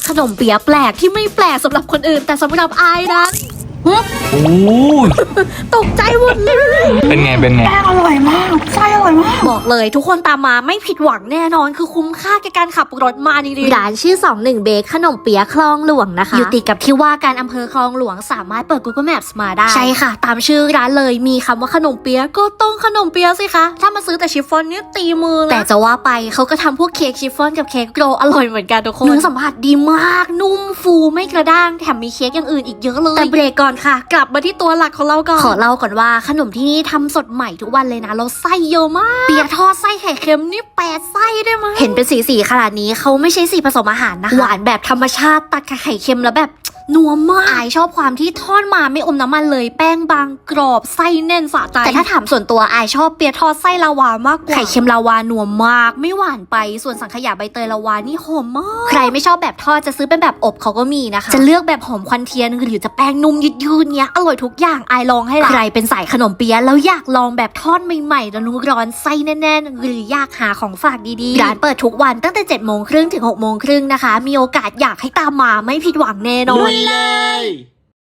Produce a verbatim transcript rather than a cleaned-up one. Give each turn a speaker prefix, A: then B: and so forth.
A: ขนมเปี๊ยะแปลกที่ไม่แปลกสำหรับคนอื่นแต่สำหรับอายนั้น
B: โอ้ย
A: ตกใจหมดเลย
B: เป็นไงเป็นไง
C: แป้งอร่อยมากไส้อร่อยมาก
A: บอกเลยทุกคนตามมาไม่ผิดหวังแน่นอนคือคุ้มค่าแก่การขับรถมาจริงๆร้านชื่อสองหนึ่งเบคขนมเปี๊ยะคลองหลวงนะคะอยู่ติดกับที่ว่าการอำเภอคลองหลวงสามารถเปิด Google Maps มาได้ใช่ค่ะตามชื่อร้านเลยมีคำว่าขนมเปี๊ยะก็ต้องขนมเปี๊ยะสิคะถ้ามาซื้อแต่ชิฟฟ่อนเนี่ยตีมือแต่จะว่าไปเขาก็ทำพวกเค้กชิฟฟ่อนกับเค้กโรลอร่อยเหมือนกันทุกคนเนื้อสัมผัสดีมากนุ่มฟูไม่กระด้างแถมมีเค้กอย่างอื่นอีกเยอะเลยแต่เบรกก่อนค่ะกลับมาที่ตัวหลักของเราก่อนขอเล่าก่อนว่าขนมที่นี่ทำสดใหม่ทุกวันเลยนะเราไส้เยอะมากเปี๊ยะทอดไส้ไข่เค็มนี่แปดไส้ได้มั้ยเห็นเป็นสีสีขนาดนี้เขาไม่ใช่สีผสมอาหารนะคะหวานแบบธรรมชาติตัดกับไข่เค็มแล้วแบบนัวมากอายชอบความที่ทอดมาไม่อมน้ำมันเลยแป้งบางกรอบไส้แน่นสะใจแต่ถ้าถามส่วนตัวอายชอบเปี๊ยะทอดไส้ลาวามากกว่าไข่เค็มลาวานัวมากไม่หวานไปส่วนสังขยาใบเตยลาวานี่หอมมากใครไม่ชอบแบบทอดจะซื้อเป็นแบบอบเขาก็มีนะคะจะเลือกแบบหอมควันเทียนหรือจะแป้งนุ่มยืดๆเนี้ยอร่อยทุกอย่างอายลองให้ละใครเป็นสายขนมเปี๊ยะแล้วอยากลองแบบทอดใหม่ๆแล้วนุ่มร้อนไส้แน่นๆหรืออยากหาของฝากดีๆร้านเปิดทุกวันตั้งแต่เจ็ดโมงครึ่งถึงหกโมงครึ่งนะคะมีโอกาสอยากให้ตามมาไม่ผิดหวังแน่นอน
B: เลย